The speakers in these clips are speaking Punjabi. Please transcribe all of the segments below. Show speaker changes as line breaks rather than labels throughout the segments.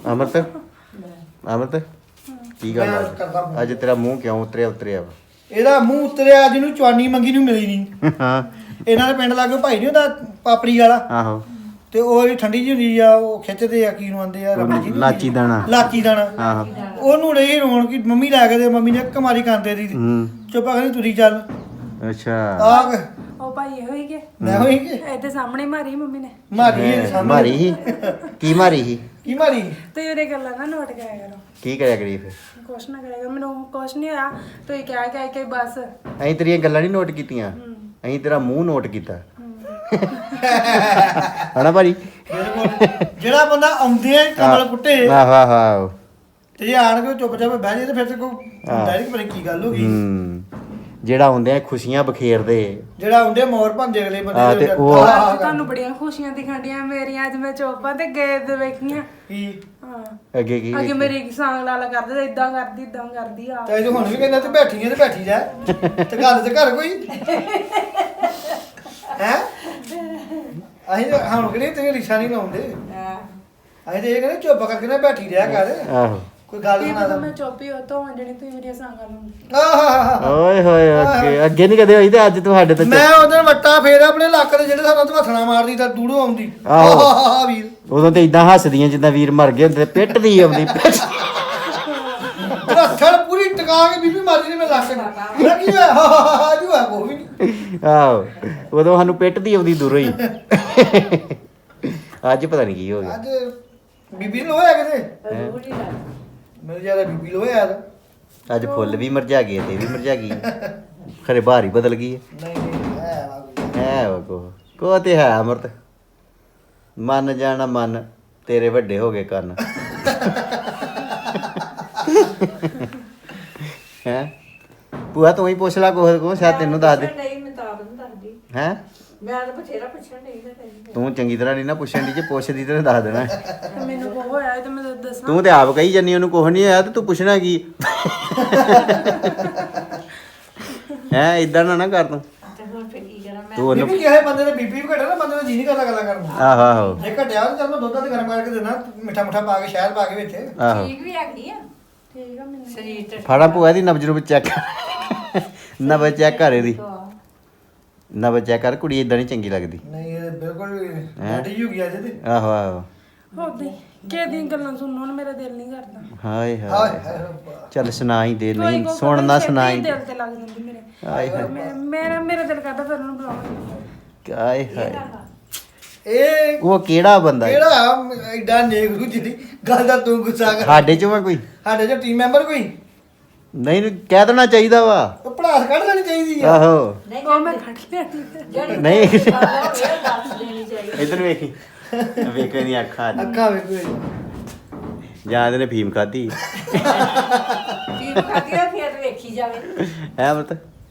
ਅਮਰਤ ਅਮਰਤ ਕੀ ਗੱਲ ਆ ਅੱਜ ਤੇਰਾ ਮੂੰਹ ਕਿਉਂ ਉਤਰਿਆ ਵਾ
ਇਹਦਾ ਮੂੰਹ ਉਤਰਿਆ ਜਿਹਨੂੰ ਚਵਾਨੀ ਮੰਗੀ ਨੂੰ ਮਿਲੀ ਨਹੀਂ।
ਹਾਂ
ਇਹਨਾਂ ਦੇ ਪਿੰਡ ਲਾਗੇ ਭਾਈ ਨਹੀਂ ਹੁੰਦਾ ਪਾਪੜੀ ਵਾਲਾ।
ਆਹੋ
ਤੇ ਉਹ ਜਿਹੜੀ ਠੰਡੀ ਜਿਹੀ ਹੁੰਦੀ ਆ ਉਹ ਖਿੱਚਦੇ ਆ ਕੀ ਨੂੰ ਆਂਦੇ ਆ ਰਬੜੀ ਜੀ
ਲਾਚੀ ਦਾਣਾ ਆਹੋ
ਉਹਨੂੰ ਰਹੀ ਰੋਣ ਕਿ ਮੰਮੀ ਲੈ ਕੇ ਦੇ ਮੰਮੀ ਨੇ ਕਮਾਰੀ ਕਾਂਦੇ ਦੀ ਚੁੱਪ ਕਹਿੰਦੀ ਤੁਰੀ ਚੱਲ।
ਅੱਛਾ
ਆਗ
ਉਹ ਭਾਈ ਹੋਈ ਕੇ
ਮੈਂ ਹੋਈ ਕਿ
ਇੱਥੇ ਸਾਹਮਣੇ ਮਾਰੀ ਮੰਮੀ ਨੇ
ਮਾਰੀ ਹੀ ਕੀ ਮਾਰੀ ਸੀ
ਕੀ ਮਾਰੀ
ਤੇ ਉਹਦੇ ਗੱਲਾਂ ਨਾ ਨੋਟ ਕਰਿਆ ਕਰੋ।
ਕੀ ਕਰਿਆ ਕਰੀ ਫਿਰ
ਕੁਛ ਨਾ ਕਰਿਆ ਕਰੋ ਮੈਨੂੰ ਕੁਛ ਨਹੀਂ ਹੋਇਆ ਤੁਸੀਂ ਕਹਿ ਕੇ ਬਸ
ਅਸੀਂ ਤੇਰੀਆਂ ਗੱਲਾਂ ਨਹੀਂ ਨੋਟ ਕੀਤੀਆਂ ਅਸੀਂ ਤੇਰਾ ਮੂੰਹ ਨੋਟ ਕੀਤਾ ਹਣਾ ਭਾਜੀ
ਜਿਹੜਾ ਬੰਦਾ ਆਉਂਦੇ ਆ ਕਮਲ ਕੁੱਟੇ
ਆਹੋ ਆਹੋ
ਤੇ ਜੇ ਆਣ ਕੇ ਚੁੱਪ ਚਾਪ ਬਹਿ ਜੇ ਤੇ ਫਿਰ ਤੇ ਕੋਈ ਡਾਇਰੈਕਟ ਪਤਾ ਕੀ ਗੱਲ ਹੋ ਗਈ।
ਜਿਹੜਾ ਆਉਂਦੇ ਆ ਖੁਸ਼ੀਆਂ ਬਖੇਰਦੇ
ਜਿਹੜਾ ਆਉਂਦੇ ਮੋਰ ਭੰਦੇ ਅਗਲੇ ਬੰਦੇ
ਤੇ ਉਹ
ਤੁਹਾਨੂੰ ਬੜੀਆਂ ਖੁਸ਼ੀਆਂ ਦਿਖਾਂਡੀਆਂ ਮੇਰੀਆਂ ਅੱਜ ਮੈਂ ਚੋਪਾਂ ਤੇ ਗਏ ਤੇ ਵੇਖੀਆਂ
ਕੀ
ਹਾਂ
ਅੱਗੇ ਕੀ
ਅੱਗੇ ਮੇਰੀ ਸਾਂਗ ਲਾਲਾ ਕਰਦੇ ਇਦਾਂ ਕਰਦੀ ਆ
ਤੇ ਹੁਣ ਵੀ ਕਹਿੰਦਾ ਤੇ ਬੈਠੀ ਜਾ ਤੇ ਗੱਲ ਤੇ ਘਰ ਕੋਈ ਹੈ ਅਸੀਂ ਹੁਣ ਕਿਹੜੀ ਤੇ ਰਿਸ਼ਾ ਨਹੀਂ ਲਾਉਂਦੇ ਅਸੀਂ ਤੇ ਇਹ ਕਹਿੰਦੇ ਚੁੱਪ ਕਰਕੇ ਨਾ ਬੈਠੀ ਰਿਹਾ ਕਰ
ਆਹੋ
ਕੋਈ ਗੱਲ
ਕੀ
ਸੁਣਾ
ਪਤਾ
ਦੇ
ਮੈਂ ਚੋਪੀ ਹੋ ਤੋਂ ਜਿਹੜੀ ਤੁਸੀਂ ਮੇਰੀਆਂ ਸਾਂਗਾਂ ਨੂੰ
ਆਹ
ਓਏ ਹੋਏ ਅੱਗੇ ਨਹੀਂ ਕਦੇ ਹੋਈ ਤੇ ਅੱਜ ਤੁਹਾਡੇ ਤੇ
ਮੈਂ ਉਧਰ ਵੱਟਾ ਫੇਰ ਆਪਣੇ ਲੱਕ ਦੇ ਜਿਹੜੇ ਸਾਨੂੰ ਹੱਥਣਾ ਮਾਰਦੀ ਤਾਂ ਦੂੜੋ ਆਉਂਦੀ
ਆਹੋ।
ਵੀਰ
ਉਦੋਂ ਤੇ ਇਦਾਂ ਹੱਸਦੀਆਂ ਜਿੱਦਾਂ ਵੀਰ ਮਰ ਗਏ ਹੁੰਦੇ ਪਿੱਟ ਦੀ ਆਉਂਦੀ
ਰੱਖੜ ਪੂਰੀ ਟਿਕਾ ਕੇ ਬੀਬੀ ਮਾਰੀ ਨੇ ਮੈਂ ਲੱਕ ਨੂੰ ਮੈਂ ਕੀ ਹੋਇਆ ਜੂ ਆ ਕੋਈ ਨਹੀਂ
ਆਹੋ ਉਦੋਂ ਸਾਨੂੰ ਪਿੱਟ ਦੀ ਆਉਂਦੀ ਦੂਰੋਂ ਹੀ ਅੱਜ ਪਤਾ ਨਹੀਂ ਕੀ ਹੋ ਗਿਆ
ਅੱਜ ਬੀਬੀ ਨੂੰ ਹੋਇਆ ਕਿਤੇ ਮੇਰੇ ਜਿਆਦਾ ਬੀਬੀ ਨੂੰ ਹੋਇਆ ਤਾਂ
ਅੱਜ ਫੁੱਲ ਵੀ ਮਰਜਾ ਗਏ ਤੇ ਵੀ ਮਰਜਾ ਗਈ ਖਰੇ ਬਾਹਰ ਹੀ ਬਦਲ ਗਈ
ਨਹੀਂ ਹੈ ਵਾ ਕੋਈ।
ਹੈ ਵਾ ਕੋ ਤੇ ਹੈ ਅਮਰਤ ਮੰਨ ਜਾਣਾ ਮਨ ਤੇਰੇ ਵੱਡੇ ਹੋ ਗਏ ਕੰਨ ਹੈ ਭੂਆ ਤੂੰ ਹੀ ਪੁੱਛ ਲੈ ਕੋ ਸ਼ਾਇਦ ਤੈਨੂੰ ਦੱਸ ਦੇ
ਨਹੀਂ ਮੈਂ ਤਾਂ ਨਹੀਂ ਦੱਸਦੀ
ਹੈ
ਮੈਂ ਤਾਂ ਬਥੇਰਾ ਪੁੱਛਣ ਨਹੀਂ ਤਾਂ
ਤੂੰ ਚੰਗੀ ਤਰ੍ਹਾਂ ਨਹੀਂ ਨਾ ਪੁੱਛਣ ਦੀ ਜੇ ਪੁੱਛਦੀ ਤੇ ਦੱਸ ਦੇਣਾ
ਤੇ ਮੈਨੂੰ ਕੋ ਹੋਇਆ ਤੇ ਮੈਂ ਦੱਸਾਂ
ਤੂੰ ਤੇ ਆਪ ਕਹੀ ਜੰਨੀ ਉਹਨੂੰ ਕੁਝ ਨਹੀਂ ਆਇਆ ਤੇ ਤੂੰ ਪੁੱਛਣਾ ਕੀ ਹੈ ਇਦਾਂ ਨਾ ਕਰ ਤੂੰ
ਤੇ ਹੁਣ ਫਿਰ ਕੀ ਕਰਾਂ ਮੈਂ
ਤੂੰ ਉਹਨੂੰ
ਬੀਬੀ ਕਿਸੇ ਬੰਦੇ ਦੇ ਬੀਬੀ ਵੀ ਘਟਿਆ ਨਾ ਬੰਦੇ ਦਾ ਜੀ ਨਹੀਂ ਕਰਦਾ ਗੱਲਾਂ ਕਰਨ ਨੂੰ
ਆਹੋ ਆਹੋ
ਜੇ ਘਟਿਆ ਤਾਂ ਚੱਲ ਮੈਂ ਦੁੱਧ ਤੇ ਗਰਮ ਕਰਕੇ ਦੇਣਾ ਮਿੱਠਾ ਮੁੱਠਾ ਪਾ ਕੇ ਸ਼ਹਿਦ ਪਾ ਕੇ ਵਿੱਚ
ਆਹੋ
ਠੀਕ ਵੀ ਹੈਗੀ ਆ
ਠੀਕ ਆ ਮੈਨੂੰ
ਸਰੀਰ ਤੇ
ਫੜਾ ਭੂਆ ਦੀ ਨਬਜ ਨੂੰ ਚੈੱਕ ਨਬਜ ਚੈੱਕ ਕਰ ਇਹਦੀ ਨਬਜ ਚੈੱਕ ਕਰ ਕੁੜੀ ਇਦਾਂ ਨਹੀਂ ਚੰਗੀ ਲੱਗਦੀ
ਨਹੀਂ ਇਹ ਬਿਲਕੁਲ ਡਾਢੀ ਹੋ ਗਿਆ ਜੇ ਤੇ
ਆਹੋ ਆਹੋ
ਹੋਦੀ ਕਿਹਦੀਆਂ ਗੱਲਾਂ ਸੁਣਨ ਨੂੰ ਮੇਰਾ ਦਿਲ ਨਹੀਂ ਕਰਦਾ
ਹਾਏ
ਹਾਏ
ਹਾਏ
ਹਾਏ ਰੱਬਾ
ਚੱਲ ਸੁਣਾਈ ਦੇ
ਕੋਈ
ਨਹੀਂ
ਕੋਈ
ਸੁਣਨਾ
ਛੇਤੀ
ਸੁਣਾਈ
ਦਿਲ ਤੇ ਲੱਗ ਜਾਂਦੀ ਮੇਰੇ
ਹਾਏ ਹਾਏ
ਮੇਰਾ ਦਿਲ ਕਰਦਾ ਫਿਰ ਉਹਨੂੰ ਬੁਲਾਉਣਾ
ਹਾਏ ਹਾਏ
ਇਹ
ਉਹ ਕਿਹੜਾ ਬੰਦਾ ਹੈ?
ਕਿਹੜਾ ਐਡਾ ਨੇਕ ਰੂ ਜਿਹੜੀ ਗੱਲ ਦਾ ਤੂੰ ਗੁੱਸਾ ਕਰ
ਸਾਡੇ ਚੋਂ ਆ ਕੋਈ
ਸਾਡੇ ਜੋ ਟੀਮ ਮੈਂਬਰ ਕੋਈ
ਨਹੀਂ ਕਹਿ ਦੇਣਾ ਚਾਹੀਦਾ ਵਾ
ਉਹ ਪੜਾਸ ਕੱਢ ਲੈਣੀ ਚਾਹੀਦੀ ਆ
ਆਹੋ
ਨਹੀਂ
ਉਹ ਮੈਂ ਖੜ ਲਿਆਣੀ
ਜਿਹੜੀ
ਨਹੀਂ
ਦੱਸ ਦੇਣੀ ਚਾਹੀਦੀ
ਇਧਰ ਵੇਖੀ ਵੇਖੇ ਨਹੀਂ ਅੱਖਾਂ ਚ।
ਅੱਖਾਂ ਵੇਖੋ
ਜਾਂ ਇਹਦੇ ਨੇ ਫੀਮ ਖਾਧੀ
ਕੀ ਖਾਦੀ ਆ ਫਿਰ ਵੇਖੀ ਜਾਵੇ
ਹੈ ਮਤ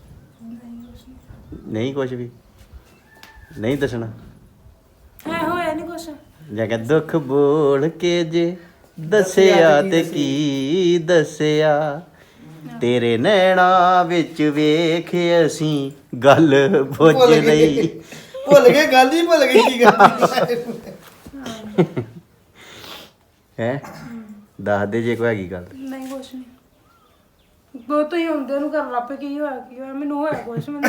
ਨਹੀਂ ਕੁਝ ਵੀ ਨਹੀਂ ਦੱਸਣਾ
ਹੈ ਹੋਇਆ ਨਹੀਂ ਕੁਛ
ਜਾਂ ਕਿ ਦੁੱਖ ਬੋਲ ਕੇ ਜੇ ਦੱਸਿਆ ਤੇ ਕੀ ਦੱਸਿਆ ਤੇਰੇ ਨੈਣਾ ਵਿੱਚ ਵੇਖ ਅਸੀਂ ਗੱਲ ਬੁੱਝ ਲਈ
ਭੁੱਲ ਗਏ ਗੱਲ ਹੀ ਭੁੱਲ ਗਈ ਕੀ ਕਰਦੀ
ਹੈ ਦੱਸ ਦੇ ਜੇ ਕੋਈ ਹੈਗੀ ਗੱਲ
ਨਹੀਂ ਕੁਛ ਨਹੀਂ ਬਹੁਤ ਹੀ ਹੁੰਦੇ ਨੂੰ ਕਰ ਲੱਪੇ ਕੀ ਹੋਇਆ ਮੈਨੂੰ ਹੋਇਆ ਕੁਛ ਮੈਨੂੰ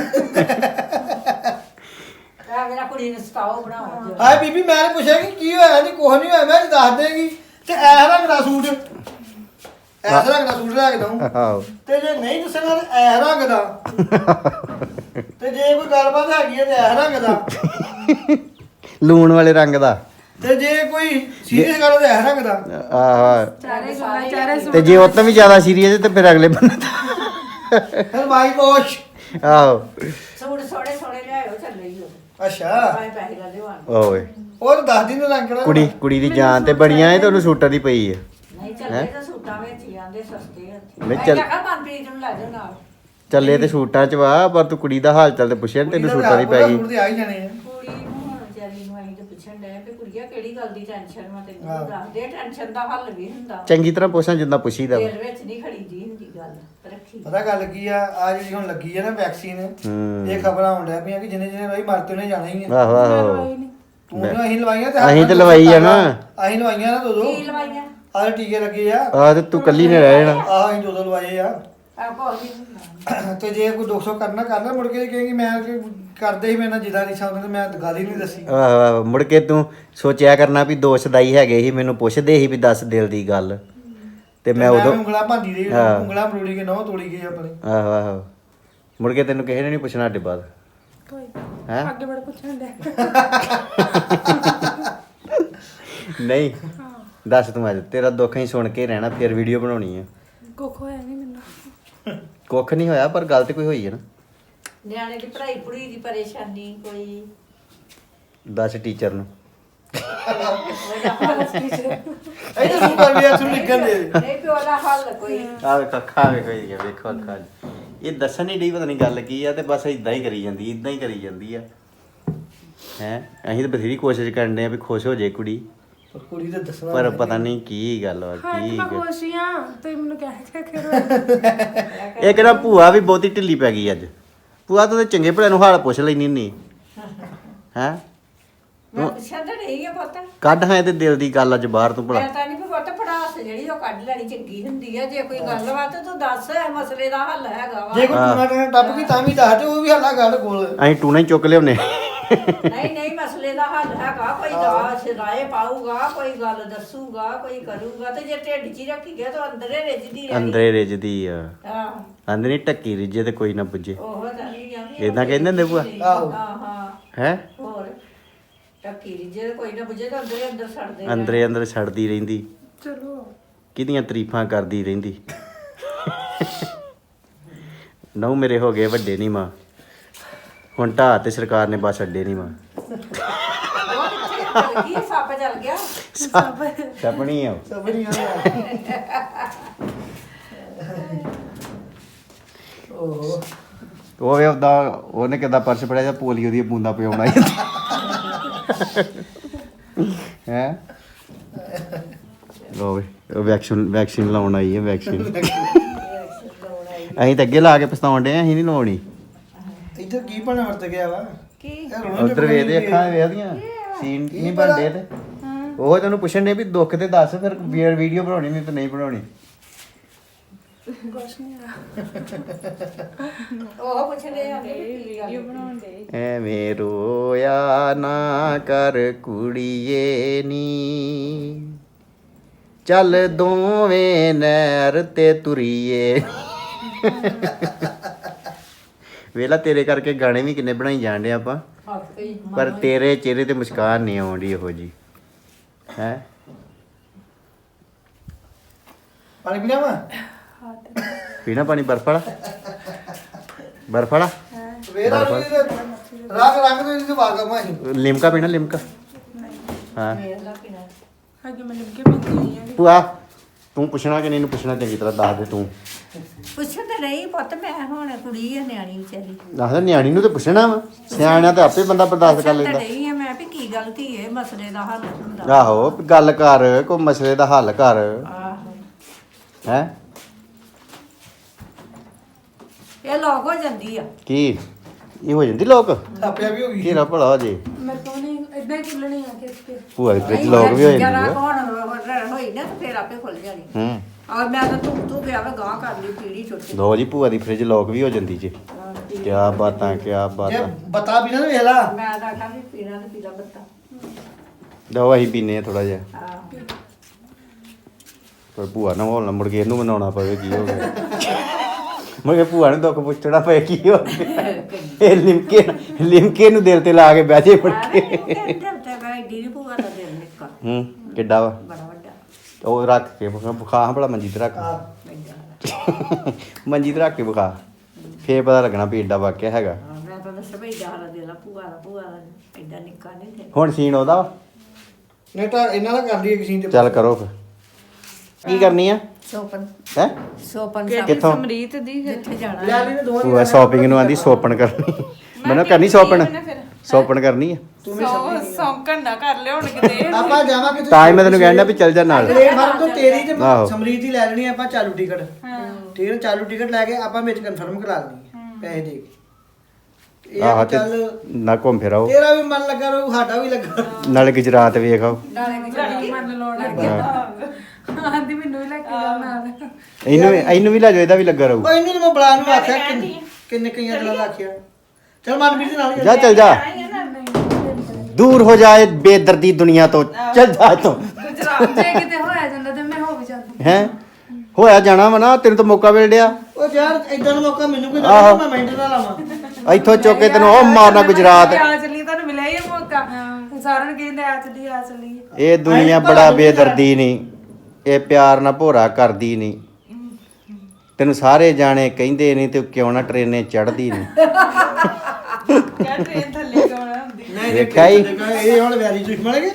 ਆ ਮੇਰਾ ਕੁੜੀ ਨੂੰ ਸਤਾਓ ਬਣਾਓ
ਹਾਏ ਬੀਬੀ ਮੈਂ ਨੇ ਪੁੱਛਿਆ ਕਿ ਕੀ ਹੋਇਆ ਨਹੀਂ ਕੁਝ ਨਹੀਂ ਹੋਇਆ ਮੈਂ ਜੀ ਦੱਸ ਦੇਗੀ ਤੇ ਐ ਰੰਗ ਦਾ ਸੂਟ ਐਸ ਰੰਗ ਦਾ ਸੂਟ ਲੈ ਕੇ ਦਊਂ
ਆਹੋ
ਤੇ ਜੇ ਨਹੀਂ ਦੱਸਣਾ ਤੇ ਐ ਰੰਗ ਦਾ ਤੇ ਜੇ ਕੋਈ ਗੱਲਬਾਤ ਹੈਗੀ ਹੈ ਤੇ ਐ ਰੰਗ ਦਾ
ਲੂਣ ਵਾਲੇ ਰੰਗ ਦਾ
ਤੇ ਜੇ ਕੋਈ ਸੀਰੀਅਸ ਗੱਲ ਹੈ ਤੇ ਐ ਰੰਗ ਦਾ
ਆਹ
ਚਾਰੇ
ਤੇ ਜੇ ਉਹ ਤੋਂ ਵੀ ਜ਼ਿਆਦਾ ਸੀਰੀਅਸ ਤੇ ਫਿਰ ਅਗਲੇ ਬੰਦੇ ਦਾ
ਫਿਰ ਮਾਈ ਵਾਸ਼
ਆਹੋ
ਸੂਟ ਸੋਹਣੇ ਸੋਹਣੇ ਲਿਆਇਓ ਚੱਲੇ ਹੀ
ਅੱਛਾ
ਆਏ ਪੈਸੇ ਲਾ ਦਿਓ ਆਣ
ਓਏ
ਉਹ ਤਾਂ ਦੱਸ ਦਿਨ ਰੰਗ ਕਿਹੜਾ
ਕੁੜੀ ਦੀ ਜਾਨ ਤੇ ਬੜੀਆਂ ਐ ਤੇ ਉਹਨੂੰ ਸੂਟਾਂ ਦੀ ਪਈ ਹੈ
ਨਹੀਂ ਚੱਲੇ ਤਾਂ ਸੂਟਾਂ ਵਿੱਚ ਹੀ ਆਂਦੇ ਸਸਤੇ ਹੱਥੀ
ਨਹੀਂ
ਮੈਂ
ਚੱਲ-
ਕਿਹਾ ਮਨਪ੍ਰੀਤ ਨੂੰ ਲੈ ਜਾਓ ਨਾਲ
ਚੱਲੇ ਤੇ ਸੂਟਾਂ ਚ ਵਾ ਪਰ ਤੂੰ ਕੁੜੀ ਦਾ ਹਾਲ ਚਾਲ ਤੇ ਪੁੱਛਿਆ ਨੀ, ਤੈਨੂੰ ਸੂਟਾਂ ਦੀ ਪੈ ਗਈ
ਸੂਟ ਤੇ ਆ ਹੀ ਜਾਣੇ ਆ
ਕੁੜੀ ਨੂੰ ਹੁਣ ਵਿਚਾਰੀ ਨੂੰ ਆਈ ਤੇ ਪੁੱਛਣ ਡਿਆ ਵੀ ਕੁੜੀਆ ਕਿਹੜੀ ਗੱਲ ਦੀ ਟੈਨਸ਼ਨ ਵਾ ਤੈਨੂੰ ਦੱਸ ਦੇ ਟੈਨਸ਼ਨ ਦਾ ਹੱਲ ਵੀ ਹੁੰਦਾ
ਚੰਗੀ ਤਰ੍ਹਾਂ ਪੁੱਛਾਂ ਜਿੱਦਾਂ ਪੁੱਛੀਦਾ ਵਾ।
ਦਿਲ ਵਿੱਚ ਨਹੀਂ ਖੜੀ ਦੀ ਹੁੰਦੀ ਗੱਲ ਰੱਖੀ
ਪਤਾ ਗੱਲ ਕੀ ਆ ਜਿਹੜੀ ਹੁਣ ਲੱਗੀ ਆ ਨਾ ਵੈਕਸੀਨ
ਹੂੰ
ਇਹ ਖਬਰਾਂ ਆਉਣ ਡਿਆ ਪਈਆਂ ਕਿ ਜਿਹਨੇ ਜਿਹਨੇ ਬਾਈ ਮਰ ਤੇ ਉਹਨੇ ਜਾਣਾ ਹੀ ਆ
ਆਹੋ ਆਹੋ
ਤੂੰ ਨਾ ਅਸੀਂ ਲਵਾਈਆਂ ਤੇ
ਅਸੀਂ ਤੇ ਲਵਾਈ ਆ ਨਾ
ਅਸੀਂ ਲਵਾਈਆਂ ਨਾ ਦੋ
ਕੀ ਲਵਾਈਆਂ
ਆਹ ਟੀਕੇ ਲੱਗੇ ਆ
ਆ ਤੇ ਤੂੰ ਕੱਲੀ ਨੇ ਰਹਿ ਜਾਣਾ।
ਆਹ ਅਸੀਂ ਦੋ ਲਵਾਏ ਆ
ਆ ਬਹੁਤ ਹੀ ਹੁੰਦਾ।
ਤੇ ਜੇ ਕੋਈ 200 ਕਰਨਾ ਮੁੜ ਕੇ ਕਹੇਗੀ ਮੈਂ ਕਰਦੇ ਹੀ ਮੇਰੇ ਨਾਲ ਜਿੱਦਾਂ ਨਹੀਂ ਸਮਝਦੇ ਤੇ ਮੈਂ ਗੱਲ ਹੀ ਨਹੀਂ ਦੱਸੀ
ਆਹ ਮੁੜ ਕੇ ਤੂੰ ਸੋਚਿਆ ਕਰਨਾ ਵੀ ਦੋ ਸਦਾਈ ਹੈਗੇ ਸੀ, ਮੈਨੂੰ ਪੁੱਛਦੇ ਸੀ ਵੀ ਦੱਸ ਦਿਲ ਦੀ ਗੱਲ, ਤੇ ਮੈਂ ਉਦੋਂ
ਉਂਗਲਾਂ ਭਾਂਦੀ ਰਹੀ
ਹਾਂ।
ਉਂਗਲਾਂ ਮਰੋੜੀ ਕੇ ਨਹੁੰ ਤੋੜੀ ਗਈ ਆਪਣੇ
ਆਹੋ ਆਹੋ ਮੁੜ ਕੇ ਤੈਨੂੰ ਕਿਸੇ ਨੇ ਨਹੀਂ ਪੁੱਛਣਾ ਅੱਡੇ ਬਾਅਦ
ਕੋਈ
ਹੈਂ?
ਅੱਗੇ ਬੜਾ ਪੁੱਛਣ ਦੇ
ਨਹੀਂ ਦੱਸ ਤੂੰ ਅੱਜ ਤੇਰਾ ਦੁੱਖ ਹੀ ਸੁਣ ਕੇ ਰਹਿਣਾ, ਫਿਰ ਵੀਡੀਓ ਬਣਾਉਣੀ ਆ।
ਕੁੱਖ ਹੋਇਆ ਨਹੀਂ ਮੈਨੂੰ।
ਕੁੱਖ ਨਹੀਂ ਹੋਇਆ ਪਰ ਗੱਲ ਤੇ ਕੋਈ ਹੋਈ ਹੈ ਨਾ।
ਨਿਆਣੇ ਦੀ ਪੜ੍ਹਾਈ ਪੜੂਈ ਦੀ ਪਰੇਸ਼ਾਨੀ ਕੋਈ
ਦੱਸ ਟੀਚਰ ਨੂੰ।
ਇਹ ਤਾਂ ਤੂੰ ਕਰ ਵੀ ਆ ਤੂੰ ਲਿਖਣ ਦੇ
ਨਹੀਂ ਪਿਓ ਦਾ ਹੱਲ ਕੋਈ
ਆ ਵੇਖ ਅੱਖਾਂ ਵੇਖੋ ਇਹ ਵੇਖੋ ਅੱਖਾਂ 'ਚ। ਇਹ ਦੱਸਣ ਨਹੀਂ ਡਈ ਪਤਾ ਨਹੀਂ ਗੱਲ ਕੀ ਆ, ਤੇ ਬਸ ਇਦਾਂ ਹੀ ਕਰੀ ਜਾਂਦੀ ਇਦਾਂ ਹੀ ਕਰੀ ਜਾਂਦੀ ਆ ਹੈ। ਅਸੀਂ ਤਾਂ ਬਥੇਰੀ ਕੋਸ਼ਿਸ਼ ਕਰਨ ਦੇ ਆ ਵੀ ਖੁਸ਼ ਹੋ ਜਾਏ ਕੁੜੀ,
ਪਰ ਕੁੜੀ ਤੇ ਦੱਸਣਾ
ਪਰ ਪਤਾ ਨਹੀਂ ਕੀ ਗੱਲ ਵਾ
ਹਾਂ
ਕੀ
ਮੈਂ
ਗੱਲ।
ਖੁਸ਼ ਹੀ ਆ ਤੇ ਮੈਨੂੰ ਕਹਿ ਕੇ
ਇਹ ਕਹਿੰਦਾ ਭੂਆ ਵੀ ਬਹੁਤੀ ਢਿੱਲੀ ਪੈ ਗਈ ਅੱਜ। ਭੂਆ ਤੂੰ ਤੇ ਚੰਗੇ ਭਲੇ ਨੂੰ ਹਾਲ ਪੁੱਛ ਲੈਣੀ ਹੁੰਦੀ ਹੈ।
ਮੈਂ ਪੁੱਛਿਆ ਤਾਂ ਨਹੀਂ ਆ ਪੁੱਤ
ਕੱਢ ਹਾਂ ਇਹਦੇ ਦਿਲ ਦੀ ਗੱਲ ਅੱਜ ਬਾਹਰ ਤੂੰ ਭਲਾ।
ਮੈਂ ਤਾਂ ਨਹੀਂ ਪੁੱਤ ਪੜਾਸ ਜਿਹੜੀ ਉਹ ਕੱਢ ਲੈਣੀ ਚੰਗੀ ਹੁੰਦੀ ਆ। ਜੇ ਕੋਈ ਗੱਲ ਵਾ ਤੇ ਤੂੰ ਦੱਸ ਇਹ ਮਸਲੇ ਦਾ ਹੱਲ ਹੈਗਾ ਵਾ।
ਜੇ ਕੋਈ ਟੂਣਾ ਟਾਣਾ ਟੱਪ ਗਈ ਤਾਂ ਵੀ ਦੱਸ ਦੇ ਉਹ ਵੀ ਹੱਲਾ ਗੱਲ ਕੋਲ
ਅਸੀਂ ਟੂਣਾ ਹੀ ਚੁੱਕ ਲਿਆਉਨੇ।
ਨਹੀਂ ਨਹੀਂ ਮਸਲੇ ਦਾ ਹੱਲ ਹੈਗਾ। ਕੋਈ ਦਾਸ ਰਾਏ ਪਾਊਗਾ, ਕੋਈ ਗੱਲ ਦੱਸੂਗਾ, ਕੋਈ ਕਰੂਗਾ। ਤੇ ਜੇ ਢਿੱਡ 'ਚ ਹੀ ਰੱਖੀ ਗਿਆ ਤਾਂ ਅੰਦਰੇ ਰਿੱਝਦੀ ਰਹਿਣੀ।
ਅੰਦਰੇ ਰਿੱਝਦੀ ਆ,
ਆਹ
ਅੰਦਰ ਨਹੀਂ ਟੱਕੀ ਰਿੱਝੇ ਤੇ ਕੋਈ ਨਾ ਪੁੱਜੇ।
ਉਹ ਤਾਂ ਨਹੀਂ ਜਾਂਦੀ
ਏਦਾਂ ਕਹਿੰਦੇ ਹੁੰਦੇ ਭੂਆ?
ਆਹੋ।
ਹਾਂ
ਹੈ
ਹੋਰ ਟੱਕੀ ਰਿੱਝੇ ਕੋਈ ਨਾ ਬੁੱਝੇ ਤਾਂ ਅੰਦਰੇ ਅੰਦਰ ਛੱਡਦੇ
ਅੰਦਰੇ ਅੰਦਰ ਛੱਡਦੀ ਰਹਿੰਦੀ,
ਚਲੋ
ਕਿਹਦੀਆਂ ਤਾਰੀਫਾਂ ਕਰਦੀ ਰਹਿੰਦੀ। ਨਹੁੰ ਮੇਰੇ ਹੋ ਗਏ ਵੱਡੇ ਨਹੀਂ ਮਾਂ, ਹੁਣ ਢਾਹ ਤੇ ਸਰਕਾਰ ਨੇ ਬਸ ਅੱਡੇ ਨਹੀਂ ਮਾਂ।
ਉਹ ਕਿੱਥੇ ਚੱਲ ਗਈ? ਸੱਪ ਚੱਲ ਗਿਆ।
ਛਪਣੀ ਆ
ਸਭ ਨਹੀਂ ਓਹ
ਉਹ ਵੇ ਉਹਦਾ ਉਹਨੇ ਕਿੱਦਾਂ ਪਰਸ ਫੜਿਆ ਜਾਂ ਪੋਲੀਓ ਦੀਆਂ ਬੂੰਦਾਂ ਪਿਉਣਾ ਹੈ। ਲੋ ਵੇ ਉਹ ਵੈਕਸੀਨ ਲਾਉਣ ਆਈ ਹੈ ਵੈਕਸੀਨ। ਅਸੀਂ ਤਾਂ ਅੱਗੇ ਲਾ ਕੇ ਪਛਤਾਉਣ ਡੇ, ਅਸੀਂ ਨਹੀਂ ਲਾਉਣੀ।
ਇੱਧਰ ਕੀ ਬਣਾ ਵਰਤ ਗਿਆ ਵਾ
ਕੀ
ਇਹ ਰੋਣ
ਉਧਰ ਵੇਖਦੇ ਅੱਖਾਂ ਵੇਖਦੀਆਂ ਸੀਨ ਨਹੀਂ ਬਣਦੇ ਤੇ ਉਹ ਤੈਨੂੰ ਪੁੱਛਣ ਦੇ ਵੀ ਦੁੱਖ ਤੇ ਦੱਸ, ਫਿਰ ਵੀਡੀਓ ਬਣਾਉਣੀ ਨਹੀਂ ਤੇ ਨਹੀਂ ਬਣਾਉਣੀ।
ਕੁਛ ਨਹੀਂ ਆ
ਉਹ ਪੁੱਛਦੇ ਆ ਵੀਡੀਓ ਬਣਾਉਣ ਦੇ।
ਐਵੇਂ ਰੋਇਆ ਨਾ ਕਰ ਕੁੜੀਏ ਨੀ, ਚੱਲ ਦੋਵੇਂ ਨਹਿਰ ਤੇ ਤੁਰੀਏ। ਵੇਲਾ ਤੇਰੇ ਕਰਕੇ ਗਾਣੇ ਵੀ ਕਿੰਨੇ ਬਣਾਈ ਜਾਂਦੇ ਆਪਾਂ, ਪਰ ਤੇਰੇ ਚਿਹਰੇ ਤੇ ਮੁਸਕਾਨ ਨਹੀਂ ਆਉਂਦੀ ਇਹੋ ਜੀ ਹੈ।
ਪਾਣੀ ਪੀਣਾ ਵਾ
ਪੀਣਾ ਪਾਣੀ ਬਰਫ ਵਾਲਾ ਬਰਫ ਵਾਲਾ
ਵੇਰਾ ਰੰਗ ਤੋਂ ਇਹਨੂੰ ਵਾਗਾ ਮਾਹੀ
ਲਿਮਕਾ ਪੀਣਾ ਲਿਮਕਾ। ਹਾਂ
ਅੱਗੇ ਮੈਂ ਲਿਖ ਕੇ ਪੀਂਦੀ ਆ
ਭੂਆ ਤੂੰ ਪੁੱਛਣਾ ਕਿ ਨਹੀਂ ਨੂੰ ਪੁੱਛਣਾ ਚੰਗੀ ਤਰ੍ਹਾਂ ਦੱਸ ਦੇ ਤੂੰ।
ਪੁੱਛਣ ਤੇ ਨਹੀਂ ਪੁੱਤ, ਮੈਂ ਹੁਣ ਕੁੜੀ ਆ ਨਿਆਣੀ ਵਿਚਾਰੀ।
ਦੱਸ ਦੇ ਨਿਆਣੀ ਨੂੰ ਤੇ ਪੁੱਛਣਾ ਵਾ, ਸਿਆਣਿਆਂ ਤੇ ਆਪੇ ਬੰਦਾ ਬਰਦਾਸ਼ਤ ਕਰ
ਪੁੱਛਣ ਤੇ
ਲੈਂਦਾ।
ਨਹੀਂ ਆ ਮੈਂ ਵੀ ਕੀ ਗਲਤੀ ਹੈ, ਮਸਲੇ ਦਾ ਹੱਲ ਹੁੰਦਾ।
ਆਹੋ ਗੱਲ ਕਰ, ਕੋਈ ਮਸਲੇ ਦਾ ਹੱਲ ਕਰ
ਆਹੋ
ਹੈ।
ਇਹ ਲੋਕ ਹੋ ਜਾਂਦੀ ਆ।
ਕੀ ਇਹ ਹੋ ਜਾਂਦੀ ਲੋਕ
ਆਪਿਆ ਵੀ ਹੋ ਗਈ
ਘੇਰਾ ਭਲਾ ਹੋ ਜੇ।
ਮੇਰੇ ਤੋਂ ਨਹੀਂ ਇਦਾਂ ਹੀ ਖੁੱਲਣੀ ਆ ਕਿ ਤੇ
ਭੂਆ ਦੇ ਫ੍ਰਿਜ ਲੋਕ ਵੀ ਹੋ ਜਾਂਦੀ
ਜਰਾ
ਆ।
ਕੌਣ ਹੋਈ ਨਾ ਤੇ ਫੇਰ ਆਪੇ ਖੁੱਲ ਜਾਣੀ।
ਹੂੰ
ਔਰ ਮੈਂ ਤਾਂ ਤੂੰ ਗਿਆ ਵਾ ਗਾਂ ਕਰ ਲਈ ਪੀੜੀ ਛੋਟੀ।
ਲੋ ਜੀ ਭੂਆ ਦੀ ਫ੍ਰਿਜ ਲੋਕ ਵੀ ਹੋ ਜਾਂਦੀ ਜੇ। ਕਿਆ ਬਾਤਾਂ ਕਿਆ
ਜੇ
ਬਾਤਾਂ।
ਬਤਾ ਵੀ ਨਾ ਵੇਖ ਲਾ
ਮੈਂ ਤਾਂ ਆਖਾਂ ਵੀ ਪੀਣਾ ਤੇ ਪੀਲਾ ਬੱਤਾ।
ਲਓ ਅਸੀਂ ਪੀਨੇ ਆ ਥੋੜਾ ਜਿਹਾ,
ਆਹ
ਪਰ ਭੂਆ ਨਾਲ ਹੋਲ ਨਾ ਮੁੜ ਕੇ ਇਹਨੂੰ ਮਨਾਉਣਾ ਪਵੇ ਕੀ ਹੋ ਗਿਆ। ਮੁੜ ਕੇ ਭੂਆ ਨੂੰ ਦੁੱਖ ਪੁੱਛਣਾ ਪਏ ਕੀ ਹੋ ਗਿਆ। ਇਹ ਲਿਮਕੇ ਨੂੰ ਦਿਲ ਤੇ ਲਾ ਕੇ ਬਹਿ ਜੇ ਫੜ ਕੇ। ਹੂੰ ਕਿੱਡਾ ਵਾ ਉਹ ਰੱਖ ਕੇ ਬੁਖਾ ਭਲਾ ਮੰਜੀ ਤੇ ਰੱਖ, ਮੰਜੀ ਤੇ ਰੱਖ ਕੇ ਬੁਖਾ, ਫੇਰ ਪਤਾ ਲੱਗਣਾ ਵੀ ਏਡਾ ਵਾਕਿਆ ਹੈਗਾ।
ਮੈਂ ਤਾਂ ਦੱਸ ਬਈ ਜਾਹਰਾ ਦੇ ਲਾ ਭੂਆ ਦਾ ਐਡਾ ਨਿੱਕਾ ਨਹੀਂ ਤੇ।
ਹੁਣ ਸੀਨ ਉਹਦਾ ਵਾ,
ਨਹੀਂ ਤਾਂ ਇਹਨਾਂ ਦਾ ਕਰ ਲਈਏ ਕਿਸੇ ਤੇ
ਚੱਲ ਕਰੋ ਫਿਰ। ਕੀ ਕਰਨੀ ਆ
ਸੋਪਨ
ਹੈ?
ਸੋਪਨ
ਕਿੱਥੋਂ?
ਸਮਰੀਤ ਦੀ
ਜਿੱਥੇ ਜਾਣਾ
ਲੈ ਲਈ ਨੇ ਦੋਵਾਂ
ਭੂਆ ਸ਼ਾਪਿੰਗ ਨੂੰ ਆਂਦੀ ਸੋਪਣ ਕਰਨੀ, ਮੈਨੂੰ ਕਰਨੀ ਸੋਪਣ, ਸੋਪਣ ਕਰਨੀ ਆ।
ਸੌਂਕਣ ਨਾ ਕਰ ਲਿਓ ਹੁਣ ਕਿਤੇ
ਆਪਾਂ ਜਾਵਾਂਗੇ
ਤਾਂ ਹੀ ਮੈਂ ਤੈਨੂੰ ਕਹਿਣਾ ਵੀ ਚੱਲ ਜਾ ਨਾਲ।
ਪਲੇਟਫਾਰਮ ਤੋਂ ਤੇਰੀ ਤੇ
ਆਹੋ।
ਸਮਰੀਤ ਦੀ ਲੈ ਲੈਣੀ ਆਪਾਂ ਚਾਲੂ ਟਿਕਟ ਠੀਕ ਹੈ, ਚਾਲੂ ਟਿਕਟ ਲੈ ਕੇ ਆਪਾਂ ਵਿੱਚ ਕਨਫਰਮ ਕਰਾ ਲੈਣੀ ਪੈਸੇ ਦੇ ਕੇ। ਇਹ
ਆਹ
ਆ
ਤੇ
ਚੱਲ
ਨਾ ਘੁੰਮ ਫਿਰ ਆਓ,
ਤੇਰਾ ਵੀ ਮਨ ਲੱਗਾ ਰਹੂ ਸਾਡਾ ਵੀ ਲੱਗਾ
ਨਾਲੇ ਗੁਜਰਾਤ ਵੇਖ ਆਓ।
ਨਾਲੇ ਕਿ
ਮੰਨ ਲੋੜ ਆਂਦੀ ਮੈਨੂੰ ਵੀ ਲੈ ਕੇ ਜਾਓ ਨਾਲ
ਇਹਨੂੰ ਵੀ ਲੈ ਜਾਓ, ਇਹਦਾ ਵੀ ਲੱਗਾ ਰਹੂ।
ਕੋਈ ਨਹੀਂ ਮੈਂ ਬੁਲਾ ਨੂੰ ਆਖਿਆ ਕਿੰਨੇ ਕਈਆਂ ਦਿਨਾਂ ਦਾ ਆਖਿਆ ਚਲ ਮਨਪ੍ਰੀਤ ਦੇ ਨਾਲ
ਜਾ ਚੱਲ ਜਾ, ਦੂਰ ਹੋ ਜਾਏ ਬੇਦਰਦੀ ਦੁਨੀਆ ਤੋਂ, ਚੱਲ ਜਾ ਇੱਥੋਂ।
ਜੇ ਕਿਤੇ ਹੋਇਆ ਜਾਂਦਾ ਤੇ ਮੈਂ ਹੋ ਵੀ ਜਾਂਦੀ।
ਹੈ ਹੋਇਆ ਜਾਣਾ ਵਾ ਨਾ, ਤੈਨੂੰ ਤਾਂ ਮੌਕਾ ਮਿਲ
ਉਹ ਯਾਰ ਇਦਾਂ ਦਾ ਮੌਕਾ ਮੈਨੂੰ ਕੋਈ
ਆਹੋ।
ਦੇ ਮੈਂ ਮਿੰਟ ਨਾਲ ਲਾਵਾਂ।
ਇੱਥੋਂ ਚੁੱਕ ਕੇ ਤੈਨੂੰ ਉਹ ਮਾਰਨਾ ਗੁਜਰਾਤ।
ਆ ਚੱਲੀ ਤੁਹਾਨੂੰ ਮਿਲਿਆ ਹੀ ਇਹ ਮੌਕਾ, ਸਾਰਿਆਂ ਨੂੰ ਕਹਿੰਦੇ ਆ ਚੱਲੀ।
ਇਹ ਦੁਨੀਆ ਬੜਾ ਬੇਦਰਦੀ ਨਹੀਂ, ਇਹ ਪਿਆਰ ਨਾਲ ਭੋਰਾ ਕਰਦੀ ਨਹੀਂ। ਤੈਨੂੰ ਸਾਰੇ ਜਾਣੇ ਕਹਿੰਦੇ ਨਹੀਂ ਤੇ ਕਿਉਂ ਨਾ ਟ੍ਰੇਨੇ ਚੜਦੀ ਨਹੀਂ।
ਟ੍ਰੇਨ ਥੱਲੇ ਕਿਉਂ ਨਾ ਹੁੰਦੀ।
ਨਹੀਂ
ਵੇਖਿਆ ਹੀ।
ਇਹ ਹੁਣ ਵੈਰੀ ਦੁਸ਼ਮਣ ਹੈਗੇ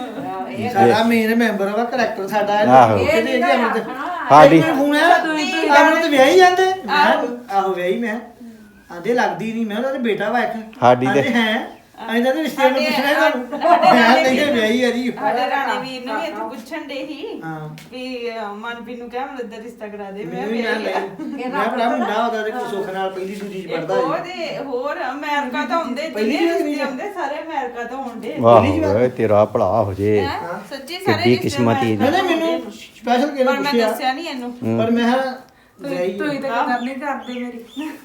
ਸਾਡਾ ਮੇਨ ਮੈਂਬਰ ਵਾ ਕਰੈਕਟਰ ਸਾਡਾ
ਆਹੋ।
ਇਹ ਨਹੀਂ ਕਿ ਅਮਰ
ਸਾਡੀ
ਫੋਨ ਹੈ ਅਮਰ ਤੇ ਵਿਆਹੀ ਜਾਂਦੇ ਆਹੋ ਵਿਆਹੀ ਮੈਂ ਆਂਦੇ ਲੱਗਦੀ ਨਹੀਂ ਮੈਂ ਉਹਨਾਂ ਦਾ ਬੇਟਾ ਵਾ ਇੱਕ
ਸਾਡੀ ਤੇ-
ਆਂਦੇ ਹੈ ਇਹਨਾਂ ਦੇ ਰਿਸ਼ਤੇ ਨੂੰ ਪੁੱਛਣਾ ਤੁਹਾਨੂੰ ਮੈਂ ਨਹੀਂ ਵਿਆਹੀ ਆ ਜੀ
ਸਾਡੇ ਰਾਣੇ ਵੀਰ ਨੂੰ ਵੀ ਇੱਥੇ ਪੁੱਛਣ ਦੇ ਹੀ
ਹਾਂ
ਵੀ ਮਨਪ੍ਰੀਤ ਨੂੰ ਕਹਿ ਮਨਿੰਦਰ ਰਿਸ਼ਤਾ ਕਰਾ ਦੇ ਮੈਂ
ਮੈਨੂੰ ਵੀ ਮੈਂ ਮੈਂ ਭਰਾ ਮੁੰਡਾ ਉਹਦਾ ਤੇ ਕੋਈ ਸੁੱਖ ਨਾਲ ਪਹਿਲੀ ਦੂਜੀ ਚ ਪੜਦਾ
ਉਹਦੇ ਹੋਰ ਅਮਰੀਕਾ ਤੋਂ ਹੁੰਦੇ
ਪਹਿਲੀ
ਜਿੰਨੇ
ਵਾਰ
ਰਿਸ਼ਤੇ ਹੁੰਦੇ ਸਾਰੇ ਅਮਰੀਕਾ ਤੋਂ ਹੁੰਦੇ
ਵਾਹ ਓਏ ਤੇਰਾ ਭਲਾ ਹੋ ਜੇ।
ਸੱਚੀ ਸਾਰੇ
ਕਿੱਡੀ ਕਿਸਮਤ ਹੀ
ਨਹੀਂ ਮੈਨੂੰ ਸਪੈਸ਼ਲ ਕਿਹਨੇ
ਪਰ ਮੈਂ
ਪੁੱਛਿਆ
ਦੱਸਿਆ ਨਹੀਂ ਇਹਨੂੰ
ਪਰ ਮੈਂ ਵਿਆਹੀ
ਤੂੰ ਹੀ ਤਾਂ ਕਦਰ ਨਹੀਂ ਕਰਦੇ ਮੇਰੀ।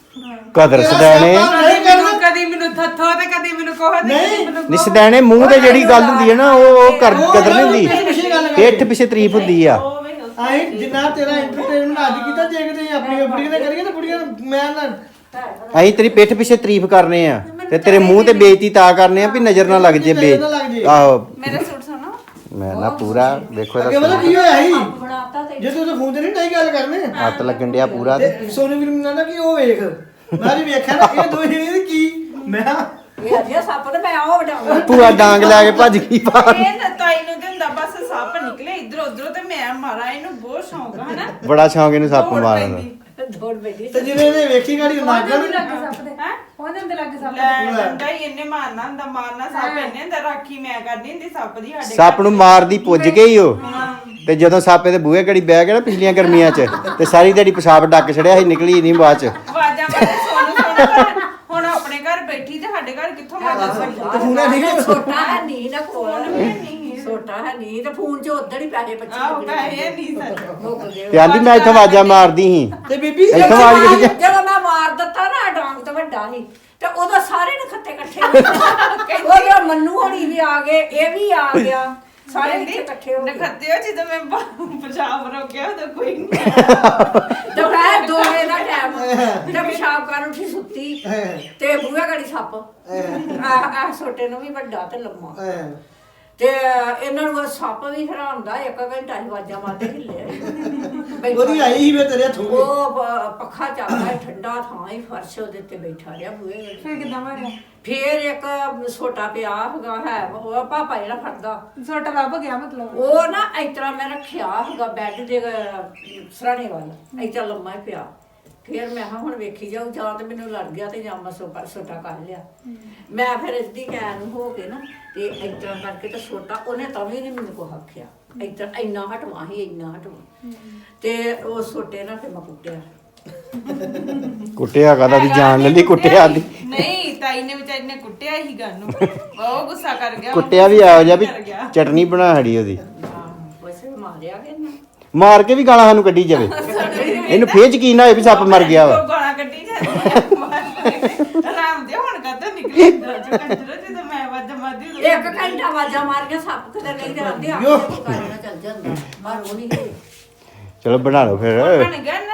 ਕਦਰ ਸਦੈਣੇ
ਕਦੀ ਮੈਨੂੰ ਥੱਥੋ ਤੇ ਕਦੀ ਮੈਨੂੰ ਕੋਹ ਤੇ ਕਦੀ ਮੈਨੂੰ
ਨੀ ਸਦੈਣੇ ਮੂੰਹ ਤੇ ਜਿਹੜੀ ਗੱਲ ਹੁੰਦੀ ਹੈ ਨਾ ਉਹ ਕਦਰ ਨਹੀਂ ਹੁੰਦੀ, ਪਿੱਠ ਪਿੱਛੇ ਤਾਰੀਫ ਹੁੰਦੀ ਆ।
ਆਏ ਜਿੰਨਾ ਤੇਰਾ ਐਂਟਰਟੇਨਮੈਂਟ ਅੱਜ ਕੀਤਾ ਜੇ ਕਿਤੇ ਆਪਣੀ ਬੁੜੀਆਂ ਨੇ ਕਰੀਏ ਤਾਂ ਬੁੜੀਆਂ ਮੈਂ ਨਾ
ਅਸੀਂ ਤੇਰੀ ਪਿੱਠ ਪਿੱਛੇ ਤਾਰੀਫ ਕਰਨੇ ਆ ਤੇ ਤੇਰੇ ਮੂੰਹ ਤੇ ਬੇਇੱਜ਼ਤੀ ਤਾਂ ਕਰਨੇ ਆ ਵੀ ਨਜ਼ਰ ਨਾ ਲੱਗ ਜੇ ਆਹੋ
ਮੇਰਾ ਸੂਟ ਸੁਣੋ
ਮੈਂ ਨਾ ਪੂਰਾ ਵੇਖੋ
ਅੱਗੇ
ਇਹਦਾ
ਪਤਾ ਕੀ ਹੋਇਆ ਸੀ
ਬਣਾਤਾ ਤੇ
ਜੇ ਤੂੰ ਫੋਨ ਤੇ ਨਹੀਂ ਡਾਈ ਗੱਲ ਕਰਨੇ
ਹੱਥ ਲੱਗਣ ਡਿਆ ਪੂਰਾ ਤੇ
ਤੇ ਸੋਨੂੰ ਵੀਰ ਮੈਨੂੰ ਕਹਿੰਦਾ ਕਿ ਉਹ ਵੇਖ ਮੈਂ ਜੀ ਵੇਖਿਆ ਨਾ ਇਹ ਦੋ ਜਣੇ ਕੀ ਮੈਂ
ਇਹ ਅਜੇ ਸੱਪ ਤੇ ਮੈਂ ਉਹ ਵਡਾਉਂਦਾ
ਪੂਰਾ ਡਾਂਗ ਲੈ ਕੇ ਭੱਜ ਗਈ ਬਾਹਰ।
ਇਹ ਨਾ ਤਾਈ ਨੂੰ ਤੇ ਹੁੰਦਾ ਬਸ ਸੱਪ ਨਿਕਲੇ ਇਧਰ ਉਧਰੋਂ ਤੇ ਮੈਂ ਮਾਰਾਂ, ਇਹਨੂੰ ਬਹੁਤ ਸ਼ੌਂਕ ਆ ਹਨਾ।
ਬੜਾ ਸ਼ੌਂਕ ਇਹਨੂੰ ਸੱਪ
ਦੌੜ
ਮਾਰਨ ਦਾ।
ਪੈਂਦੀ।
ਦੌੜ ਪੈਂਦੀ
ਤੇ ਜਿਹਨੇ ਇਹਨੇ ਵੇਖੀ ਗਾੜੀ
ਉਹਦੇ
ਨਾਗਣ
ਵੀ ਲੱਗੇ ਸੱਪ ਦੇ
ਹੈਂ?
ਉਹਦੇ ਵੀ ਲੱਗੇ ਸੱਪ ਦੇ।
ਲੈ ਡੰਡਾ ਹੀ ਇਹਨੇ ਮਾਰਨਾ ਹੁੰਦਾ, ਮਾਰਨਾ ਸੱਪ ਇਹਨੇ ਹੁੰਦਾ, ਰਾਖੀ ਮੈਂ ਕਰਦੀ ਹੁੰਦੀ ਸੱਪ ਦੀ ਸਾਡੇ
ਸੱਪ ਨੂੰ ਮਾਰਦੀ ਪੁੱਜ ਗਈ ਉਹ ਤੇ ਜਦੋਂ ਸੱਪ ਇਹਦੇ ਬੂਹੇ ਘੜੀ ਬਹਿ ਗਿਆ ਨਾ ਪਿਛਲੀਆਂ ਗਰਮੀਆਂ 'ਚ ਤੇ ਸਾਰੀ ਦਿਹਾੜੀ ਪਿਸ਼ਾਬ ਡੱਕ ਛੜਿਆ ਸੀ, ਨਿਕਲੀ ਨਹੀਂ ਬਾਅਦ 'ਚ।
ਆਵਾਜ਼ਾਂ ਮਾਰੇ ਸੋਨੂੰ ਹੁਣ ਆਪਣੇ ਘਰ ਬੈਠੀ ਤੇ ਸਾਡੇ ਘਰ ਕਿੱਥੋਂ ਆਵਾਜ਼ਾਂ ਸੁਣਦੀ?
ਫੋਨ ਨਹੀਂ
ਛੋਟਾ ਹੈ ਨਹੀਂ ਨਾ
ਫੋਨ
ਫੋਨ
ਵੀ ਨਹੀਂ
ਛੋਟਾ ਹੈ ਨਹੀਂ ਤੇ ਫੋਨ 'ਚ ਉਧਰ ਹੀ ਪੈਸੇ
ਆਹੋ
25
ਪੈਸੇ ਨਹੀਂ ਸਰ
ਮੁੱਕ ਗਏ
ਤੇ ਆਂਦੀ ਮੈਂ ਇੱਥੋਂ ਆਵਾਜ਼ਾਂ ਮਾਰਦੀ ਸੀ।
ਤੇ ਬੀਬੀ
ਇੱਥੋਂ ਆਵਾਜ਼ ਕਿਹੜੀ
ਜਦੋਂ ਮੈਂ ਮਾਰ ਦਿੱਤਾ ਨਾ ਡਾਂਗ ਤੇ ਵੱਡਾ ਸੀ ਤੇ ਉਦੋਂ ਸਾਰੇ ਨਖੱਤੇ ਇਕੱਠੇ ਉਹਦੇ ਮੰਨੂ ਹੋਣੀ ਵੀ ਆ ਗਏ ਇਹ ਵੀ ਆ ਗਿਆ ਸਾਰੇ ਇੱਥੇ ਇਕੱਠੇ ਹੋ ਗਏ
ਨਖੱਤੇ ਹੋ ਜਦੋਂ ਮੈਂ ਪੰਜਾਬ ਰੋਕਿਆ ਉਦੋਂ ਕੋਈ ਨਹੀਂ
ਦੁਪਹਿਰ 2 ਵਜੇ ਦਾ ਟਾਈਮ ਤੇ ਪਿਸ਼ਾਬ ਕਰਨ ਉੱਠੀ ਸੁੱਤੀ ਤੇ ਬੂਹੇ ਗੜੀ ਸੱਪ ਆ ਛੋਟੇ ਨੂੰ ਵੀ ਵੱਡਾ ਤੇ ਲੰਮਾ ਤੇ ਇਹਨਾਂ ਨੂੰ ਸੱਪ ਵੀ ਹਰਾਮਦਾ 1 ਘੰਟਾ ਹੀ ਆਵਾਜ਼ਾਂ ਮਾਰਦੇ ਹਿੱਲੇ
ਉਹਦੀ ਆਈ ਸੀ ਵੇ ਤੇਰੇ ਹੱਥੋਂ
ਉਹ ਪੱਖਾ ਚੱਲਦਾ ਠੰਡਾ ਥਾਂ ਹੀ ਫਰਸ਼ ਉਹਦੇ ਉੱਤੇ ਬੈਠਾ ਰਿਹਾ ਬੂਹੇ ਗੜੀ
ਫਿਰ ਕਿੱਦਾਂ ਮਾਰਿਆ?
ਫੇਰ ਇੱਕ ਛੋਟਾ ਪਿਆ ਹੈਗਾ ਹੈ ਉਹ ਪਾਪਾ ਜਿਹੜਾ ਫੜਦਾ
ਛੋਟਾ ਲੱਭ ਗਿਆ ਮਤਲਬ।
ਉਹ ਨਾ ਇਸ ਤਰ੍ਹਾਂ ਮੈਂ ਰੱਖਿਆ ਹੈਗਾ ਬੈੱਡ ਦੇ ਸਰਾਣੇ ਵੱਲ ਇਸ ਤਰ੍ਹਾਂ ਲੰਮਾ ਹੀ ਪਿਆ। ਫੇਰ ਮੈਂ ਕਿਹਾ ਹੁਣ ਵੇਖੀ ਜਾਊ ਜਾਂ ਤੇ ਮੈਨੂੰ ਲੜ ਗਿਆ ਤੇ ਜਾਂ ਮੈਂ ਛੋਟਾ ਕਰ ਲਿਆ। ਮੈਂ ਫਿਰ ਇਸਦੀ ਕੈਨ ਹੋ ਕੇ ਨਾ ਤੇ ਇਸ ਤਰ੍ਹਾਂ ਕਰਕੇ ਤੇ ਛੋਟਾ ਉਹਨੇ ਤਾਂ ਵੀ ਨਹੀਂ ਮੈਨੂੰ ਕੁਛ ਆਖਿਆ। ਇਸ ਤਰ੍ਹਾਂ ਇੰਨਾ ਹਟਵਾ ਹੀ ਇੰਨਾ ਹਟਵਾ ਤੇ ਉਹ ਛੋਟੇ ਨਾਲ ਫਿਰ ਮੈਂ ਕੁੱਟਿਆ।
ਕੁੱਟਿਆ ਕਾਦਾ ਦੀ ਜਾਨ ਲੈ ਲਈ ਕੁੱਟਿਆ ਦੀ
ਨਹੀਂ ਤਾਈ ਨੇ ਵਿਚਾਰੀ ਨੇ ਕੁੱਟਿਆ ਹੀ ਗੱਲ ਨੂੰ ਬਹੁਤ ਗੁੱਸਾ ਕਰ ਗਿਆ
ਕੁੱਟਿਆ ਵੀ ਆਇਆ ਜਾ ਵੀ ਚਟਨੀ ਬਣਾ ਹੜੀ ਉਹਦੀ
ਵੈਸੇ ਮਾਰਿਆ ਕਿ ਨਾ
ਮਾਰ ਕੇ ਵੀ ਗਾਲਾਂ ਸਾਨੂੰ ਕੱਢੀ ਜਾਵੇ ਇਹਨੂੰ ਫੇਰ ਯਕੀਨ ਨਾ ਹੋਏ ਵੀ ਸੱਪ ਮਰ ਗਿਆ ਵਾ।
ਗਾਲਾਂ ਕੱਢੀ ਜਾਂਦੀ ਆਰਾਮ ਦੇ ਹੁਣ ਕਦੋਂ ਨਿਕਲੀ ਜਦੋਂ ਮੈਂ ਆਵਾਜ਼ ਮਾਰਦੀ ਉਦੋਂ
1 ਘੰਟਾ ਆਵਾਜ਼ਾਂ ਮਾਰ ਕੇ ਸੱਪ ਕਿਤੇ ਨਹੀਂ ਜਾਂਦੇ ਆਪੇ ਕਰਨਾ ਚੱਲ ਜਾਂਦਾ ਪਰ ਉਹ ਨਹੀਂ ਗਏ।
ਚਲੋ ਬਣਾ ਲਓ ਫਿਰ।
ਬਣ ਗਿਆ